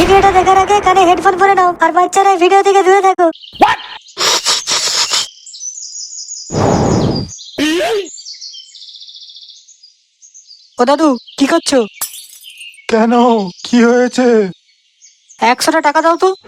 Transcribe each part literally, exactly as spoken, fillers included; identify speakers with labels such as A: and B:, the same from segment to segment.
A: ভিডিওটা দেখার আগে কানে হেডফোন পরে নাও আর বাচ্চারা ভিডিও থেকে দূরে থাকো। ও দাদু কি করছো?
B: কেন, কি হয়েছে?
A: একশোটা টাকা দাও তো।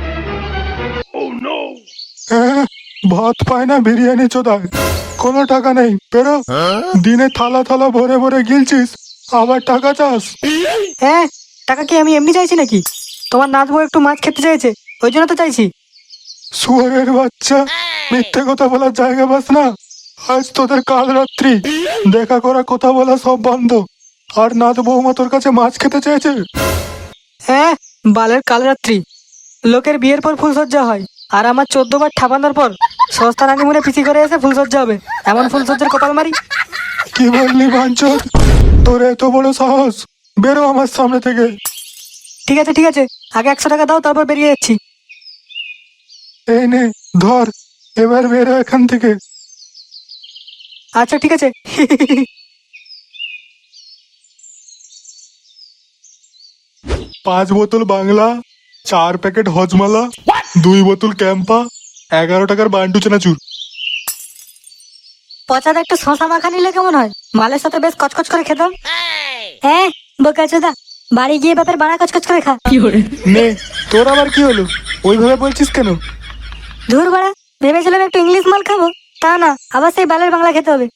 B: হ্যাঁ, ভাত পায় না বিরিয়ানি চোদায়, কোনো টাকা নেই, বেরো। দিনে থালা থালা ভরে ভরে গিলছিস, আবার টাকা চাস?
A: হ্যাঁ, টাকা কি আমি এমনি চাইছি নাকি? তোমার নাতবউ একটু মাছ খেতে চাইছে, ওই জন্য তো চাইছি।
B: শুয়োরের বাচ্চা, মিথ্যে কথা বলার জায়গা পাস না। আজ তোদের কাল রাত্রি দেখা করা, কথা বলা সব বন্ধ। আর নাত বৌমা তোর কাছে মাছ খেতে চেয়েছে?
A: হ্যাঁ, বালের কাল রাত্রি। লোকের বিয়ের পর ফুলসজ্জা হয়, আর আমার চোদ্দ বার ঠাপানোর পর সস্তা রানিমুনে পিসি করে এসে ফুলসজ্জা হবে, এমন ফুলসজ্জার কপাল মারি।
B: কি বললি বাঞ্চোদ? তোর এত বড় সাহস, বেরো আমার সামনে থেকে।
A: ঠিক আছে ঠিক আছে, আগে একশো টাকা দাও, তারপর বেরিয়ে যাচ্ছি।
B: এই নে ধর, এবার বেরো এখান থেকে।
A: আচ্ছা ঠিক আছে।
B: পাঁচ বোতল বাংলা, চার প্যাকেট হজমালা, দুই বোতল ক্যাম্পা, এগারো টাকার বান্টু চানাচুর।
A: পচাদা একটু শশা মাখা নিলে কেমন হয়? মালের সাথে বেশ কচকচ করে খেতাম। হ্যাঁ বোকাচোদা, বাড়ি গিয়ে বাপের বাড়া কচকচ করে খা।
B: নে, তোর আবার কি হলো? ওইভাবে বলছিস কেন?
A: ধুর বাড়া, ভেবেছিলাম একটু ইংলিশ মাল খাবো, তা না, আবার সেই বালের বাংলা খেতে হবে।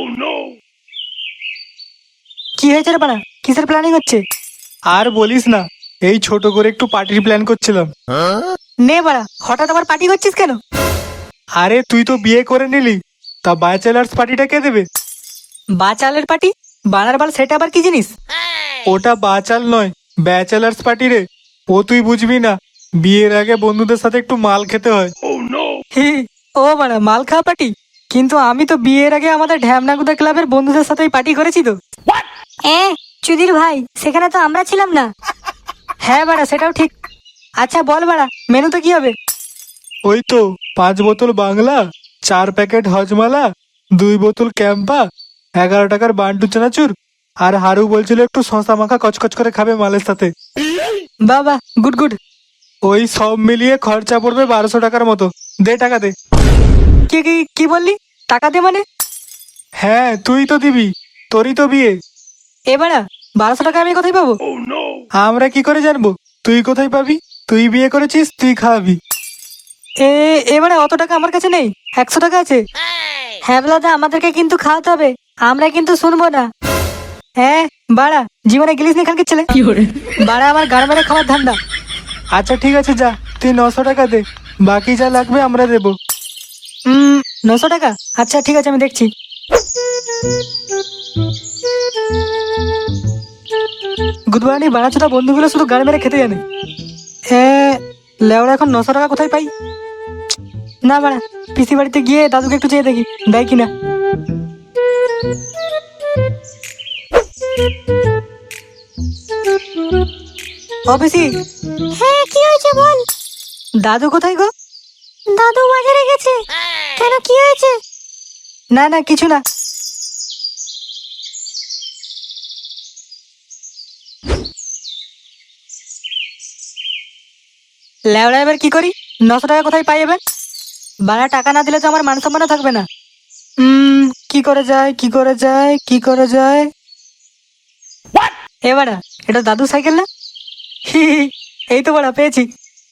A: কি হয়েছে রে বাড়া, কিসের প্ল্যানিং হচ্ছে?
B: আর বলিস না, এই ছোট করে একটু পার্টির প্ল্যান করছিলাম।
A: নে বাড়া, হঠাৎ আবার পার্টি করছিস কেন?
B: আরে তুই তো বিয়ে করে নিলি, তা ব্যাচেলার্স পার্টিটা কে দেবে?
A: বাচালের পার্টি? বানার বাল, সেটা আবার কি জিনিস?
B: ওটা বাচাল নয়, ব্যাচেলার্স পার্টি রে। ও তুই বুঝবি না, বিয়ের আগে বন্ধুদের সাথে একটু মাল খেতে হয়।
A: হি, ও বাড়া, মাল খাওয়া পার্টি? কিন্তু আমি তো বিয়ের আগে আমাদের ঢ্যামনাগুদা ক্লাবের বন্ধুদের সাথেই পার্টি করেছি তো। এ চুদির ভাই, সেখানে তো আমরা ছিলাম না। হ্যাঁ বাড়া, সেটাও ঠিক। আচ্ছা বল বাড়া, মেনুতে কি হবে?
B: ওই তো পাঁচ বোতল বাংলা, চার প্যাকেট হজমালা, দুই বোতল ক্যাম্পা, এগারো টাকার বান্টু চানাচুর, আর হারু বলছিল একটু শশা মাখা কচকচ করে খাবে মালের সাথে।
A: বাবা, গুড গুড।
B: ওই সব মিলিয়ে খরচা পড়বে বারোশো টাকার মতো। দে টাকা দে।
A: কি কি কি বললি? টাকা দে মানে?
B: হ্যাঁ তুই তো দিবি, তোরই তো বিয়ে।
A: এ বাড়া, বারোশো টাকা আমি কোথায় পাবো?
B: আমরা কি করে জানবো তুই কোথায় পাবি? তুই বিয়ে করেছিস, তুই খাওয়াবি।
A: এ এবারে অত টাকা আমার কাছে নেই, একশো টাকা আছে। হ্যাঁ বলাদা, আমাদেরকে কিন্তু খাওয়াতে হবে, আমরা কিন্তু শুনবো না। হ্যাঁ বাড়া, জীবনে গেলিস নি খানকে ছেলে। বাড়া, আমার গাড় মেরে খাওয়ার ধান্দা।
B: আচ্ছা ঠিক আছে, যা তুই নশো টাকা দে, বাকি যা লাগবে আমরা দেবো।
A: হুম, নশো টাকা? আচ্ছা ঠিক আছে, আমি দেখছি। গুদবানি বাড়াচোদা বন্ধুগুলো শুধু গাড়ি মেরে খেতে জানে। হ্যাঁ, লেওড়া এখন নশো টাকা কোথায় পাই? না বাড়া, পিসি বাড়িতে গিয়ে দাদুকে একটু চেয়ে দেখি, দেয় কিনা। ও পিসি। হ্যাঁ, কি হয়েছে বল। দাদু কোথায় গো? দাদু বাজারে গেছে। কেন, কি হয়েছে? না না, কিছু না। লেওড়া, এবার কি করি? নশো টাকা কোথায় পাই এবার? বাড়া, টাকা না দিলে তো আমার মান সম্মানও থাকবে না। হুম, কি করে যায়, কি করে যায়, কি করে যায়? এ বাড়া, এটা দাদু সাইকেল না? হি হি, এই তো বাড়া, পেয়েছি।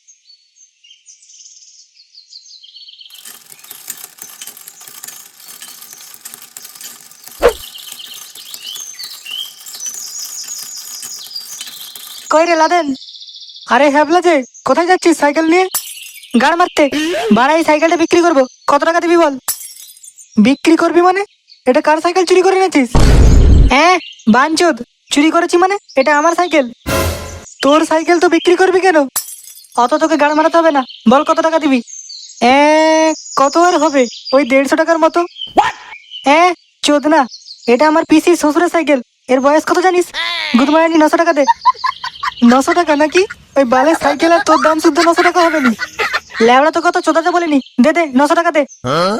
A: কই রে লাদেন? আরে হ্যাবলা যে, কোথায় যাচ্ছিস সাইকেল নিয়ে? গাড় মারতে? বাড়া, এই সাইকেলটা বিক্রি করবো, কত টাকা দিবি বল? বিক্রি করবি মানে? এটা কার সাইকেল চুরি করে এনেছিস? হ্যাঁ বাঞ্চোদ, চুরি করেছি মানে? এটা আমার সাইকেল। তোর সাইকেল তো বিক্রি করবি কেন? অত তোকে গাড় মারাতে হবে না, বল কত টাকা দিবি? এ, কত আর হবে, ওই দেড়শো টাকার মতো। হ্যাঁ চোদ না, এটা আমার পিসির শ্বশুরের সাইকেল, এর বয়স কত জানিস? গুদমারানি, নশো টাকা দে। নশো টাকা নাকি? ওই বালের সাইকেল আর তোর দাম শুদ্ধ নশো টাকা হবে নি। ল্যাবড়া তো কত চোদাতে বলিনি, দে দে, নশো টাকা দে।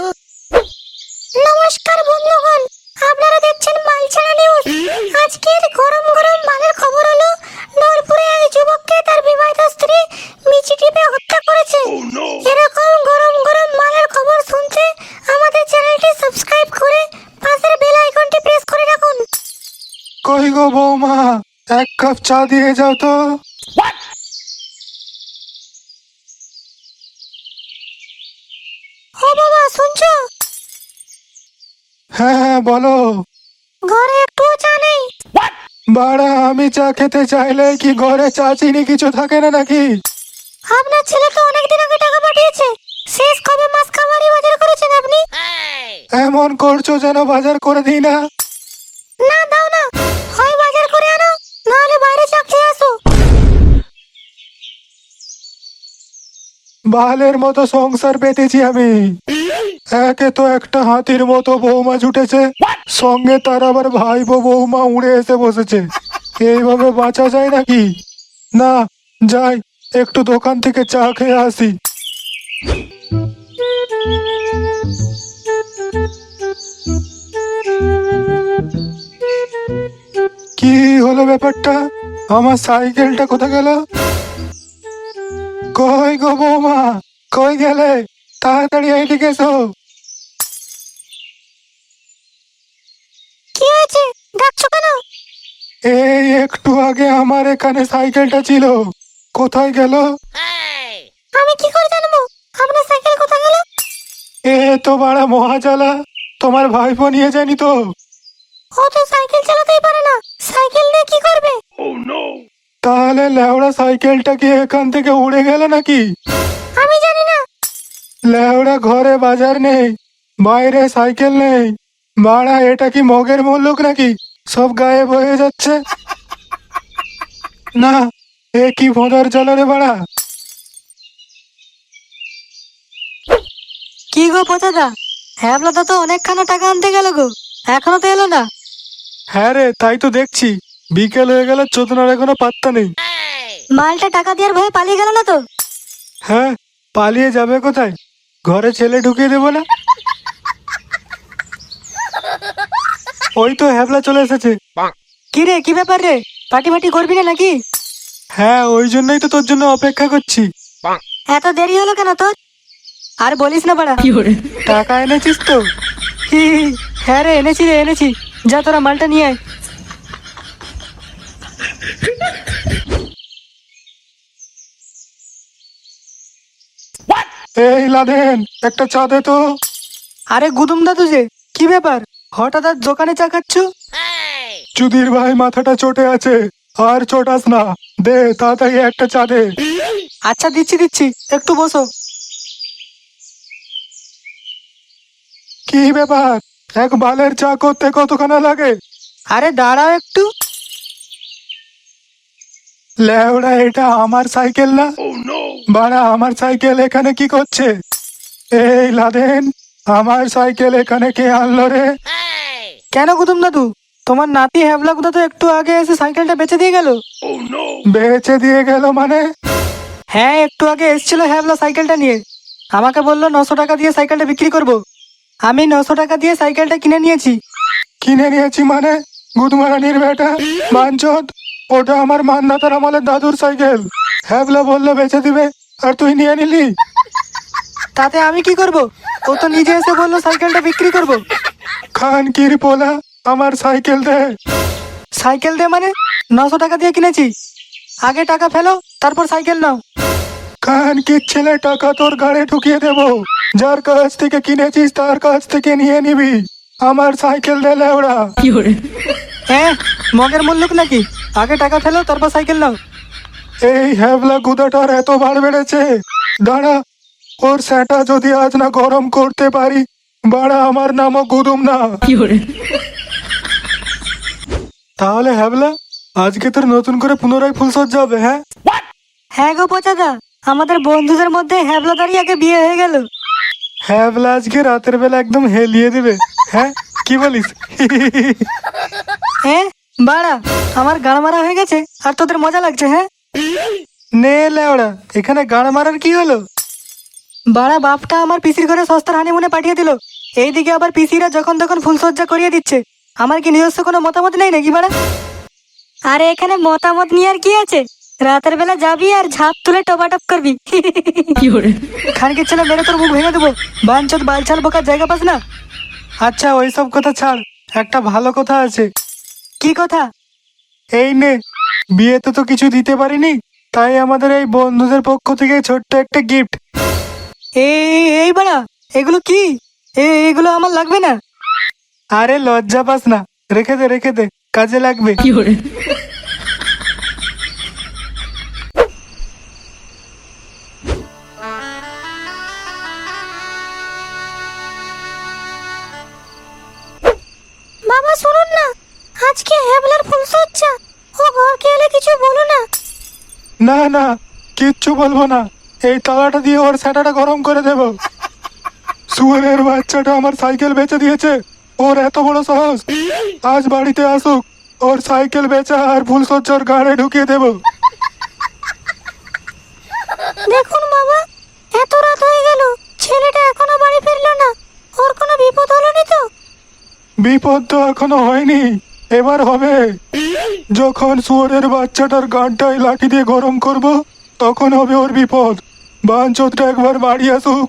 A: নমস্কার বন্ধুগণ, আপনারা দেখছেন মালছাড়া নিউজ। আজকের গরম গরম মালের খবর হলো, নরপুরে এক যুবককে তার বিবাহিত
B: কাপ চা দিয়ে যাও তো।
A: ও বাবা, শুনছো?
B: হ্যাঁ হ্যাঁ বলো।
A: ঘরে একটুও চা নেই।
B: বাড়া, আমি চা খেতে চাইলে কি ঘরে চা চিনি কিছু থাকে না নাকি?
A: আপনার ছেলে তো অনেকদিন আগে টাকা পাঠিয়েছে। শেষ কবে মাছ খাবারই বাজার করেছেন আপনি?
B: এমন করছো যেন বাজার করে দিই না।
A: না, দাও না। হয় বাজার করে আনো, নাহলে বাইরে চা খেয়ে আসো।
B: বালের মতো সংসার পেতেছি আমি। একে তো একটা হাতির মতো বৌমা জুটেছে, সঙ্গে তার আবার ভাইপো বৌমা উড়ে এসে বসেছে। এইভাবে বাঁচা যায় নাকি? না, যাই একটু দোকান থেকে চা খেয়ে আসি। কি হলো ব্যাপারটা? আমার সাইকেলটা কোথায় গেল? কই গো বৌমা, কই গেলে? তাড়াতাড়ি এইদিকে এসো।
A: কি হয়েছে, ডাকছো কেন?
B: এই একটু আগে আমার এখানে সাইকেলটা ছিল, কোথায় গেল?
A: আমি কি করে জানবো আপনার সাইকেল কোথায় গেল?
B: এ তো বাড়া মহাজালা, তোমার ভাইপো নিয়ে যায়নি তো?
A: ও তো সাইকেল চালাতেই পারে না, সাইকেল নিয়ে কি করবে?
B: তাহলে লেওড়া সাইকেলটা কি এখান থেকে উড়ে গেল নাকি?
A: আমি জানি না।
B: লেওড়া ঘরে বাজার নেই, বাইরে সাইকেল নেই, বাড়া এটা কি মগের মুল্লুক নাকি? সব গায়েব হয়ে যাচ্ছে। না, এ কি ভোঁদার জ্বালা রে বাড়া।
A: কি গো পচাদা, হ্যাবলা তো অনেকখানা টাকা আনতে গেল গো, এখনো তো এলো না।
B: হ্যাঁ রে, তাই তো দেখছি। বিকেল হয়ে গেল, চোদনার এখনো পাত্তা নেই।
A: মালটা টাকা দেওয়ার ভয়ে পালিয়ে গেল না তো?
B: হ্যাঁ, পালিয়ে যাবে কোথায়? ঘরে ছেলে ঢুকিয়ে দেবো না? ওই তো হ্যাবলা চলে এসেছে।
A: কি রে, কি ব্যাপার রে? পার্টি ফাটি করবি না নাকি?
B: হ্যাঁ, ওই জন্যই তো তোর জন্য অপেক্ষা করছি।
A: এত দেরি হলো কেন তোর? আর বলিস না বাড়া।
B: টাকা এনেছিস তো?
A: হি হি, হ্যাঁ রে, এনেছি রে এনেছি। যা তোরা মালটা নিয়ে আয়।
B: এই লাদেন, একটা চা দে তো।
A: আরে গুদুম দাদু যে, কি ব্যাপার হঠাৎ আর দোকানে চা খাচ্ছ?
B: চুদির ভাই মাথাটা চটে আছে, আর চটাস না। দে তাড়াতাড়ি একটা চা দে।
A: আচ্ছা দিচ্ছি দিচ্ছি, একটু বসো।
B: কি ব্যাপার, এক বালের চা করতে কতখানা লাগে?
A: আরে দাঁড়াও একটু।
B: লেওড়া, এটা আমার সাইকেল না? বাড়া, আমার সাইকেল এখানে কি করছে? এই লাদেন, আমার সাইকেল এখানে কে আনলো রে?
A: কেন গুদুম দাদু, তোমার নাতি হ্যাবলা গুদা তো একটু আগে এসে সাইকেলটা বেচে দিয়ে গেল।
B: বেচে দিয়ে গেল মানে?
A: হ্যাঁ, একটু আগে এসেছিল হ্যাবলা সাইকেলটা নিয়ে। আমাকে বললো নশো টাকা দিয়ে সাইকেলটা বিক্রি করব। আমি নশো টাকা দিয়ে সাইকেলটা কিনে নিয়েছি।
B: কিনে নিয়েছি মানে? গুদমারানির বেটা বাঞ্চদ, ওটা আমার মান্নাতার আমলের দাদুর সাইকেল। হ্যাবলা বললো বেচে দিবে, আর তুই নিয়ে নিলি?
A: তাতে আমি কি করব? ও তো নিজে এসে বললো সাইকেলটা বিক্রি করব।
B: খান কির পোলা, আমার সাইকেল দে।
A: সাইকেল দে মানে? নশো টাকা দিয়ে কিনেছি, আগে টাকা ফেলো তারপর সাইকেল নাও।
B: খান কির ছেলে, টাকা তোর গাড়ি ঢুকিয়ে দেবো। যার কাছ থেকে কিনেছিস তার কাছ থেকে নিয়ে নিবি। আমার সাইকেল দে লেওড়া।
A: হ্যাঁ, মগের মূল্যক নাকি? আগে টাকা ফেলো তারপর সাইকেল নাও।
B: এই হ্যাবলা গুদাটার এত বার বেড়েছে, দাঁড়া, ওর স্যাটা যদি আজ না গরম করতে পারি, বাড়া আমার নামও গুদুম না। তাহলে হ্যাবলা, আজকে তোর নতুন করে পুনরায় ফুলসজ্জা হবে? হ্যাঁ
A: হ্যাঁ গো পচাদা, আমাদের বন্ধুদের মধ্যে হ্যাবলাদারই আগে বিয়ে হয়ে গেল।
B: হ্যাবলা আজকে রাতের বেলা একদম হেলিয়ে দিবে। হ্যাঁ, কি বলিস?
A: হ্যাঁ বাড়া, আমার গাড় মারা হয়ে গেছে আর তোদের মজা লাগছে? হ্যাঁ
B: নে লেওড়া, এখানে গান মারার কি হলো?
A: বাড়া, বাপটা আমার পিসির ঘরে সস্তার হানিমুনে পাঠিয়ে দিল। এইদিকে আবার পিসিরা যখন তখন ফুলসজ্জা করিয়ে দিচ্ছে। আমার কি নিজস্ব কোনো মতামত নেই নাকি বাড়া? আরে এখানে মতামত নিয়ে আর কি আছে? রাতের বেলা যাবি আর ঝাঁপ তুলে টপাটপ করবি। খানকির ছেলে, মেরে তোর মুখ ভেঙে দেবো। বাঞ্চত বালছাল বোকার জায়গা পাস না।
B: আচ্ছা, ওইসব কথা ছাড়, একটা ভালো কথা আছে।
A: কি কথা?
B: এই নে, বিয়েতে তো কিছু দিতে পারিনি, তাই আমাদের এই বন্ধুদের পক্ষ থেকে ছোট্ট একটা গিফট।
A: এই এই বাড়া, এগুলো কি? এ- এগুলো আমার লাগবে না।
B: আরে লজ্জা পাস না, রেখে দে রেখে দে, কাজে লাগবে।
C: বাবা শুনুন না, আজকে হ্যাবলার ফুলসজ্জা, ও ঘরকে এলে কিছু বলো না।
B: না না, কিচ্ছু বলবো না, এই তালাটা দিয়ে ওর স্যাটাটা গরম করে দেব। শুয়োরের বাচ্চাটা আমার সাইকেল বেচে দিয়েছে, ওর এত বড় সাহস। আজ বাড়িতে আসুক, ওর সাইকেল বেচা আর ফুলসজ্জার গাড়ে ঢুকিয়ে দেব।
C: দেখুন বাবা, এত রাত হয়ে গেল, ছেলেটা এখনো বাড়ি ফিরলো না, ওর কোনো বিপদ হলো নি তো?
B: বিপদ তো এখনো হয়নি, এবার হবে। যখন শুয়োরের বাচ্চাটার গানটাই লাঠি দিয়ে গরম করব, তখন হবে ওর বিপদ। বাঞ্চোদটা একবার বাড়ি আসুক।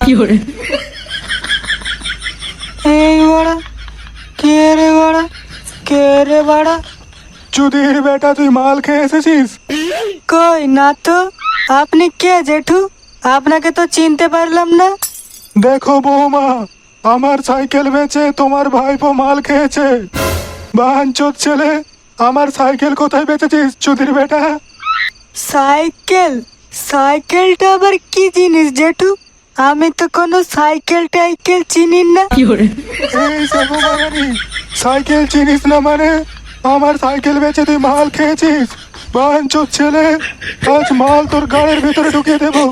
A: এই বাড়া, কে রে বাড়া, কে রে বাড়া?
B: চুদির বেটা, তুই মাল খেয়ে এসেছিস?
A: কই না তো। আপনি কে জেঠু? আপনাকে তো চিনতে পারলাম না।
B: দেখো বৌমা, আমার সাইকেল বেচে তোমার ভাইপো মাল খেয়েছে। বাঞ্চোদ ছেলে, আমার সাইকেল কোথায় বেচেছিস চুদির বেটা?
A: সাইকেল? সাইকেলটা আবার কি জিনিস জেঠু? আমি তো কোনো সাইকেল টাইকেল চিনি না।
B: এই সেগো বাঙালি, সাইকেল চিনিস না মানে আমার সাইকেল বেচে তুই মাল খেয়েছিস? বাঞ্চোদ ছেলে, আজ মাল তোর গাড়ির ভিতরে ঢুকিয়ে দেবো।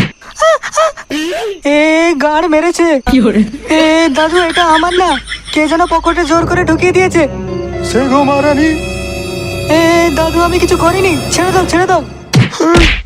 A: এ গাড় মেরেছে। এ দাদু, এটা আমার না, কে যেন পকেটে জোর করে ঢুকিয়ে দিয়েছে।
B: সেগো মারানি।
A: এ দাদু, আমি কিছু করিনি, ছেড়ে দাও ছেড়ে দাও।